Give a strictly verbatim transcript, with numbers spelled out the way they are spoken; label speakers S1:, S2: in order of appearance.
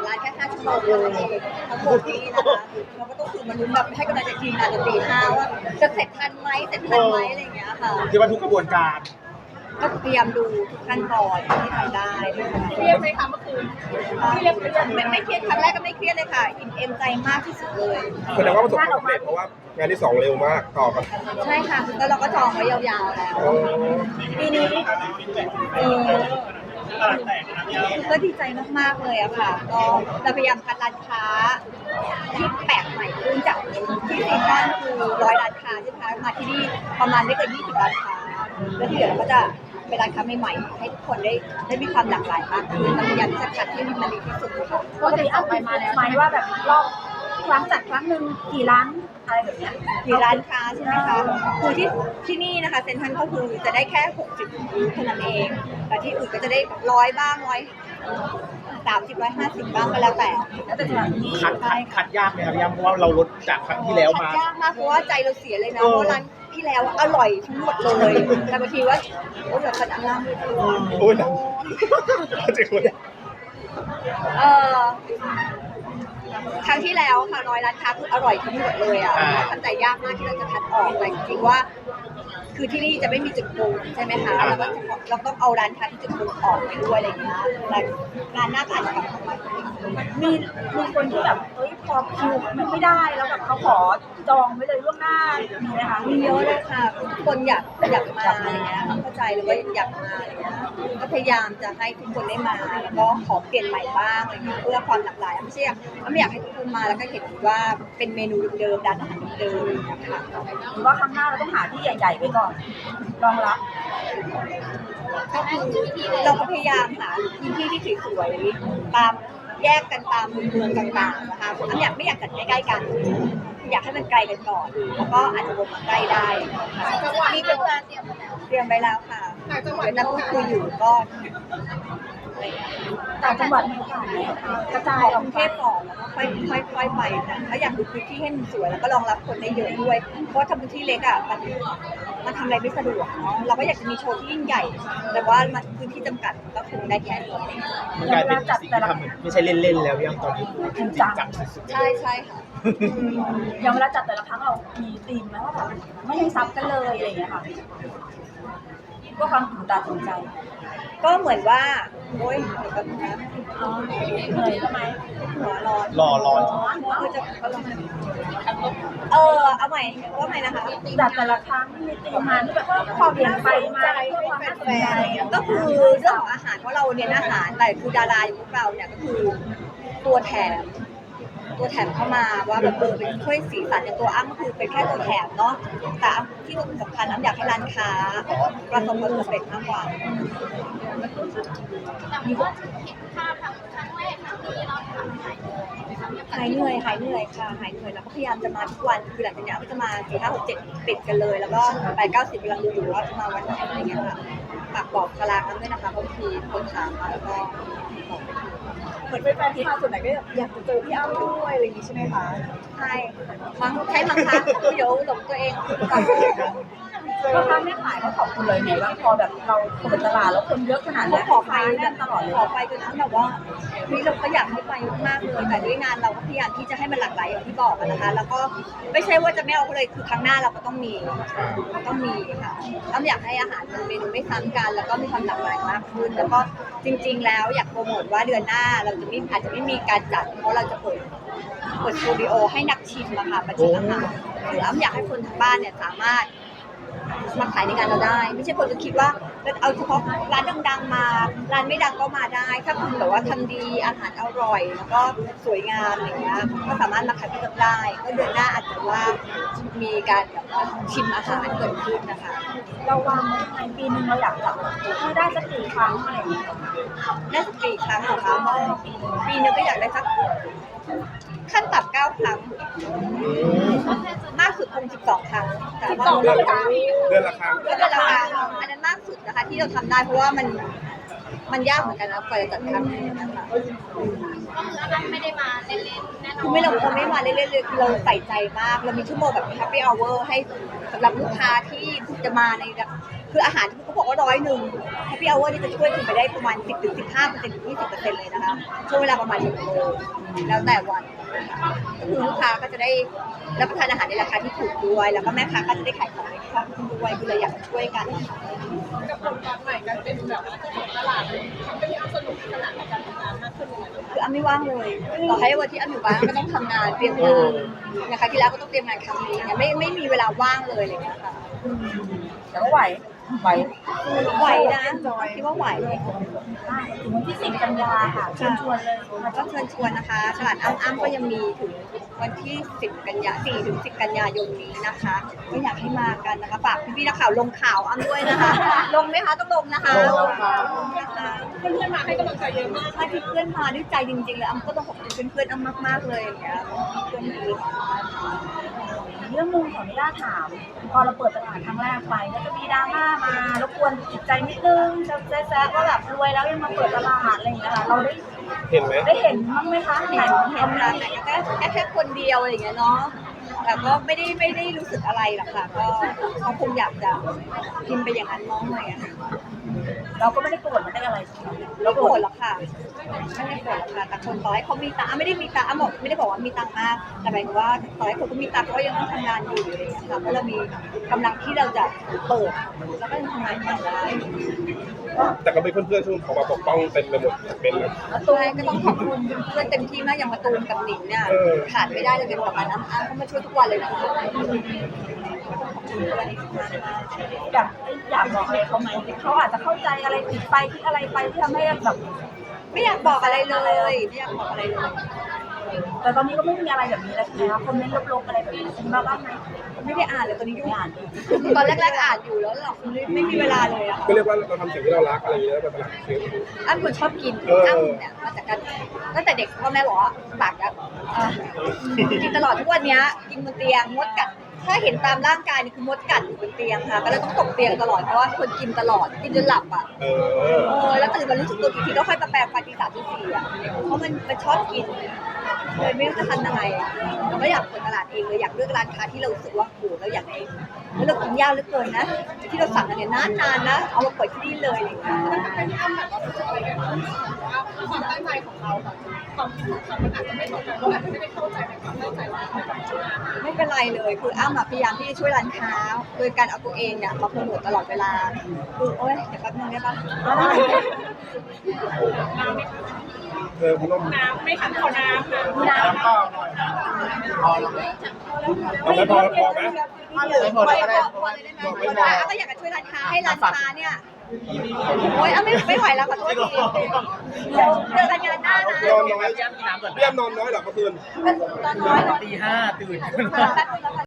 S1: ร้านแค่ห้าชั่วโมงเท่านั้นเองทั้งหมดนี้นะคะเราก็ต้องตื่นมาลุ้นแบบให้กำลังใจทีมงานจนตีห้าว่าจะเสร็จทันไหมเสร็จทันไหมอะไรอย่างเงี้ยค่ะ
S2: คิดว่าทุกกระบวนการ
S1: ก็พยายามดูทุกขั้นตอนที่ทำได้
S3: เครียดไหมคะเมื่อคืนเครียดเครียด
S1: ไม่ไม่เครียดครั้งแรกก็ไม่เครียดเลยค่ะอิ่มเอมใจมากที่สุดเลย
S4: แสดงว่าประสบความสำเร็จเพราะว่างานที่สองเร็วมากต่อกัน
S1: ใช่ค่ะแล้วเราก็จองไว้ยาวๆแล้วปีนี้เออก็ดีใจมากๆเลยอะค่ะก็เราพยายามคัดร้านค้าที่แปลกใหม่ขึ้นจากที่ซีซั่นคือร้อยร้านค้าใช่ไหมคะมาที่นี่ประมาณไม่เกินยี่สิบร้านค้าแล้วที่เหลือเราก็จะเป็นร้านค้าใหม่ๆให้ทุกคนได้ได้มีความหลากหลายมากขึ้นเราพยายามที่จะคัดให้มันดีที่สุดค่ะ
S3: ปกติเอาไปมาแล้วไหมว่าแบบรอบครั้งจัดครั้งหนึ่งกี่ร้านอะไรแบบเนี้ย
S1: กี่ร้านค้าใช่ไหมคะคือที่ที่นี่นะคะเซ็นทรัลก็คือจะได้แค่หกสิบเท่านั้นเองแต่ที่อื่นก็จะได้ร้อยบ้างร้อยสามสิบร้อยห้าสิบบ้างก็แล้วแต่
S3: แล้วแต่สถานที่
S2: คัดคัดคัดยากไหมครับพี่ย่าเพราะว่าเราลดจากครั้งที่แล้วมา
S1: คัดยากมากเพราะว่าใจเราเสียเลยนะเพราะร้านที่แล้วอร่อยทั้งหมดเลยแต่บางทีว่าโอ้ยแบบขนาดนั้น
S4: โอ้ยจริงเลย
S1: เออครั้งที่แล้วค่ะร้อยร้านค้าคืออร่อยทั้งหมดเลยอ่ะทำใจยากมากที่เราจะคัดออกแต่จริงๆว่าคือที่นี่จะไม่มีจุดโกงใช่ไหมคะเราก็เราต้องเอาร้านค้าที่จุดโกงออกไปด้วยอะไรอย่างเงี้ยแต่งานหน้าก็อาจจะกลับมา
S3: มีมีคนที่แบบเฮ้ยพอคิวมันไม่ได้แล้วแบบเขาขอจองไว้เลยล่วงหน้ามีไหมคะ
S1: มีเยอะเลยค่ะคนอยากอยากมาอะไรเงี้ยเข้าใจหรือว่าอยากมาอะไรเงี้ยก็พยายามจะให้ทุกคนได้มาแล้วก็ขอเปลี่ยนใหม่บ้างอะไรเงี้ยเพื่อความหลากหลายไม่ใช่ไม่อยากให้ทุกคนมาแล้วก็เห็นว่าเป็นเมนูเดิมๆร้านอาหารเดิมๆนะคะ
S3: หรือว่าครั้งหน้าเราต้องหาที่ใหญ่ๆไว้ก่อนรองรับ
S1: ก็คือเราก็พยายามหาพื้นที่ที่สวยๆตามแยกกันตามเมืองต่างๆนะคะอันอยากไม่อยากจัดใกล้ๆกันอยากให้มันไกลกันก่อนแล้วก็อาจจะวนมาใกล้ได้
S3: จังหวะนี้เป็นการเตรียมไปแล้ว
S1: เตรียมไว้แล้วค่ะเดี๋ยวนักพูดคุยอยู่ก็
S3: ต่างจังหวัดมีโอกาสกระจาย
S1: ออกกรุงเทพก่อนแล้วก็ค่อยค่อยค่อยไปนะถ้าอยากดูพื้นที่ให้มันสวยแล้วก็รองรับคนได้เยอะด้วยเพราะทำพื้นที่เล็กอ่ะมันมันทำอะไรไม่สะดวกเนาะเราก็อยากจะมีโชว์ที่ยิ่งใหญ่แต่ว่ามันพื้นที่จำกัดก็คงได้แค่นี้
S2: มันกลายเป็นสิ่งที่ทำไม่ใช่เล่นๆแล้วยังตอนนี้จริงจังสุดๆ
S1: ใช่ใช่ค่ะ
S3: อย่างเวลาจัดแต่ละครั้งเรามีธีมไหมว่าแบบไม่ให้ซ้ำกันเลยอะไรอย่างเงี้ยค่ะก็ความตื่นตาตื่นใจ
S1: ก็เหมือนว่าโอ๊ยเดี๋ยวกันนะ
S3: เหนื่อยใช่ไหม
S1: หัวร้อน
S2: รอร้อน
S1: เออจะเออเอาใหม่ว่าใหม่นะคะ
S3: จัดแต่ละครั้งมีธีมมาที่แบบว่าความเปลี่ยนไปมาเพื่อความน่าสนใจ
S1: ก็คือเรื่องของอาหารเพราะเราเน้นอาหารแต่คือดาราอย่างพวกเราเนี่ยก็คือตัวแถมตัวแถมเข้ามาว่าแบบเออเป็นช่วยสีสันอย่างตัวอ้ำคือเป็นแค่ตัวแถมเนาะแต่ที่สำคัญอ้ำอยากให้ร้านค้าประสบความสำเร็จมากกว่า
S3: มีว่าเห็นภาพครั้งแรกครั้งนี้เราทำ
S1: หายเหนื่อยหายเหนื่อยค่ะหายเหนื่อยแล้วก็พยายามจะมาทุกวันคือหลังจากนี้ก็จะมาสี่ห้าหกเจ็ดติดกันเลยแล้วก็แปดเก้าสิบกำลังดูอยู่ว่าจะมาวันไหนอะไรเงี้ยค่ะฝากบอกตารางกันด้วยนะคะเพราะบางทีคนถามมาแล้วก็
S3: เหมือนเป็นแฟนที่มาส่วนไหนก็อยากจะเจอพี่อ้ำด้วยอะไรอย่างนี้ใช่ไหมคะ
S1: ใช่มั้งใช้มั้งคะเดี๋ยวหลงตัวเอง
S3: พ่อค้าแม่ขายเขาขอบคุณเลยไงว่าพอแบบเราเปิดตลาดแล้วคนเยอะขนาดนี้
S1: ขอไปแน่นตลอดเลยขอไปจนนั้นแบบว่านี่เราก็อยากให้ไปมากเลยแต่ด้วยงานเราก็พยายามที่จะให้มันหลากหลายอย่างที่บอกนะคะแล้วก็ไม่ใช่ว่าจะไม่เอาเลยคือครั้งหน้าเราก็ต้องมีต้องมีค่ะต้องอยากให้อาหารมันเมนูไม่ซ้ำกันแล้วก็มีความหลากหลายมากขึ้นแล้วก็จริงๆแล้วอยากโปรโมทว่าเดือนหน้าเราจะไม่อาจจะไม่มีการจัดเพราะเราจะเปิดเปิดสตูดิโอให้นักชิมอะค่ะมาชิมอาหารคืออ้ำอยากให้คนทางบ้านเนี่ยสามารถมาขายในงานเราได้ไม่ใช่คนจะคิดว่าเราเอาเฉพาะร้านดังๆมาร้านไม่ดังก็มาได้ถ้าคุณแบบว่าทำดีอาหารอร่อยแล้วก็สวยงามอย่างเงี้ยก็สามารถมาขายที่เราได้ก็เดือนหน้าอาจจะว่ามีการแบบชิมอาหารเกิดขึ้นนะคะ
S3: เราวางไว้ยังไงปีนึงเราอยากจัดให้ได้สักกี่ครั้งอะไรอย่างเงี้ย
S1: ได้สักกี่ครั้งเหรอคะปีนึงก็อยากได้สักขั้นต่ำเก้าครั้งมากสุดคงสิบสองครั้งแต่ว่า
S4: เดือนละครั้งเดือนละครั้ง
S1: เดือนละครั้งอันนั้นมากสุดนะคะที่เราทำได้เพราะว่ามันมันยากเหมือนกันนะกว่าจะจัดครั้งนึงนะคะ
S3: ก็คืออันนั้นไม่ได้มาเล่นๆแน่นอน
S1: คือไม่เราเราไม่มาเล่นๆเลยคือเราใส่ใจมากเรามีชั่วโมงแบบ happy hour ให้สำหรับลูกค้าที่จะมาในคืออาหารที่เขาบอกว่าร้อยหนึ่งแฮปปี้เอาเวอร์นี่จะช่วยคุณไปได้ประมาณสิบถึงสิบห้าเปอร์เซ็นต์ถึงยี่สิบเปอร์เซ็นต์เลยนะคะช่วงเวลาประมาณหนึ่งโมงแล้วแต่วันก็คือลูกค้าก็จะได้รับประทานอาหารในราคาที่ถูกด้วยแล้วก็แม่ค้าก็จะได้ขายของในคล่องขึ้นด้วยคือเลยอยากช่วยกันนะคะ
S5: กับผลการใหม่การเป็นแบบว่าเจ้าของตลาดเลยทำให้พี่อ้ำสนุกขนาดในการทำงานมากขึ้นเลย
S1: คืออ้ำไม่ว่างเลยต่อให้วันที่อ้ำอยู่บ้านก็ต้องทำงานเตรียมงานนะคะที่แล้วก็ต้องเตรียมงานครั้งนี้เนี่ยไม่ไม่มีเวลาว่างเลยอะไรอย่างเลยค่ะ
S3: แต่ก็ไหวไหว
S1: ไหวนะคิดว่าไหว
S3: ถึงวันที่สิบกันยาค่ะเชิญชวนเลย
S1: แล้วก็เชิญชวนนะคะตลาดอ้ำอ้ำก็ยังมีถึงวันที่สิบกันยาสี่ถึงสิบกันยายนนี้นะคะก็อยากให้มากันนะคะฝากพี่ๆนักข่าวลงข่าวอ้ำด้วยนะคะ ลงไหมคะต้องลงนะคะลงค่ะ
S5: เพื่อนๆมาให้กำลังใจเยอะมาก
S1: ถ้าที่เพื่อนมาด้วยใจจริงๆเลยอ้ำก็ต้องขอบคุณเพื่อนๆอ้ำมากๆเลยอย่างเงี้ยเพื่อนดีค่ะ
S3: เรื่องนึงขออนุญาตถาม พอเราเปิดตลาดครั้งแรกไปก็จะมีดราม่ามารบกวนจิตใจนิดนึงจะแซะว่าแบบรวยแล้วยังมาเปิดตลาดอะไรอย่างเงี้ยค่ะเราได้
S4: เห็นไหม
S3: ได้เห็นบ้างไหมคะ
S1: เห็นเห็นค่ะแต่แค่แค่แค่คนเดียวอะไรอย่างเงี้ยเนาะแต่ก็ไม่ได้ไม่ได้รู้สึกอะไรหรอกค่ะก็เขาคงอยากจะพิมพ์ไปอย่างนั้นน้องเลยอะ
S3: เราก็ไม่ได้โกรธไม่ได้อะไรใช่ไหม
S1: ไม่โกรธหรอกค่ะไม่ได้โกรธหรอกค่ะแต่คนต่อให้เขามีตังค์อ่ะไม่ได้มีตังค์อ่ะบอกไม่ได้บอกว่ามีตังค์มากแต่หมายถึงว่าต่อให้คนเขามีตังค์เขาก็ยังต้องทำงานอยู่อะไรอย่างเงี้ยค่ะเพราะเรามีกำลังที่เราจะเปิดแล้วก็ยังทำงานต่อได้
S4: แต่ก็มีเพื่อนๆที่เขามาปกป้องเต็มไปหมดเป็นนะ
S1: แล้วตัวก็ต้องขอบคุณเพื่อนเต็มที่มากอย่างมาตูมกับหนิงเนี่ย
S4: เออ
S1: ขาดไม่ได้เลยเป็นประมาณน้ำอ้างเขามาช่วยทุกวันเลยนะคะ
S3: อยากอยากบอกอะไรเขาไหมเขาอาจจะเข้าใจอะไรผิดไปคิดอะไรไปที่ทำให้แบบ
S1: ไม่อยากบอกอะไรเลยไม่อยากบอกอะไรเลย
S3: แต่ตอนนี้ก็ไม่มีอะไรแบบนี้แล้วใช่ไหมคะคอมเมนต์ลบๆอะไรแบบนี้มีมาบ้างไหม
S1: ไม่ได้อ่านเลยตอนนี้ยุ่ง
S3: ไม่อ่าน
S1: ตอนแรกๆอ่านอยู่แล้วหรอกไม่มีเวลาเลยอะค่ะ
S4: ก็เรียกว่าเราทำสิ่งที่เรารักอะไรอย่างเงี้ยเป็นตลาดซื้อ
S1: อ้ำคนชอบกิน
S4: เออ
S1: อ้ำเนี่ยมาจากการตั้งแต่เด็กพ่อแม่บอกว่าปากอะอ่ะกินตลอดทุกวันเนี้ยกินบนเตียงมดกัดถ้าเห็นตามร่างกายนี่คือมดกัดอยู่บนเตียงค่ะก็เลยต้องตกเตียงตลอดเพราะว่าคนกินตลอดกินจนหลับอ่ะ
S4: เออ
S1: เออแล้วตื่นมารู้สึกตัวอีกทีก็ค่อยมาแปลงฟันตีสามตีสี่อ่ะเพราะมันมันชอบกินเลยไม่รู้จะทำยังไงอะเราก็อยากเปิดตลาดเองเลยอยากเลือกร้านค้าที่เรารู้สึกว่าโหเราอยากให้แล้วเรากินยากเหลือเกินนะที่เราสั่งกันเนี่ยนานๆนะเอามาเปิดที่นี่เลยอะไรอย่างเงี้ย
S5: เป็นพี่อ้ำแบบว่ารู้สึกอะไรกันว่าความตั้งใจของเรากับความคิดของเขามันอาจจะไม่ตรงกันเราอาจจะไม่ได้เข้าใจในความตั้งใจของเรา
S1: ไม่เป็นไรเลยคืออ้ำอะพยายามที่จะช่วยร้านค้าโดยการเอาตัวเองเนี่ยมาโปรโมทตลอดเวลาคือโอ๊ยเดี๋ยวแป๊บนึงได้ปะ
S4: เออคุณน้อง
S5: น้ำไม่ขันขอน้ำนะ
S3: น้ำ
S4: เอาไหมพอพอไหม
S1: ไม่พอเลยได้ไหมพอเลยได้ไหมพอได้อ้ำก็อยากจะช่วยร้านค้าให้ร้านค้าเนี่ยโอ๊ยอ้ำไม่ไม่ไหวแล้วขอโทษทีเดี๋ยวเจอกันงานหน้านะ
S4: นอนน้อยเยี่ยมนอนน้อยเหรอเมื่อคืน
S1: ตอนน้อยเหรอ
S2: ตีห้าตื่น
S1: แป๊บนึงแล้วกัน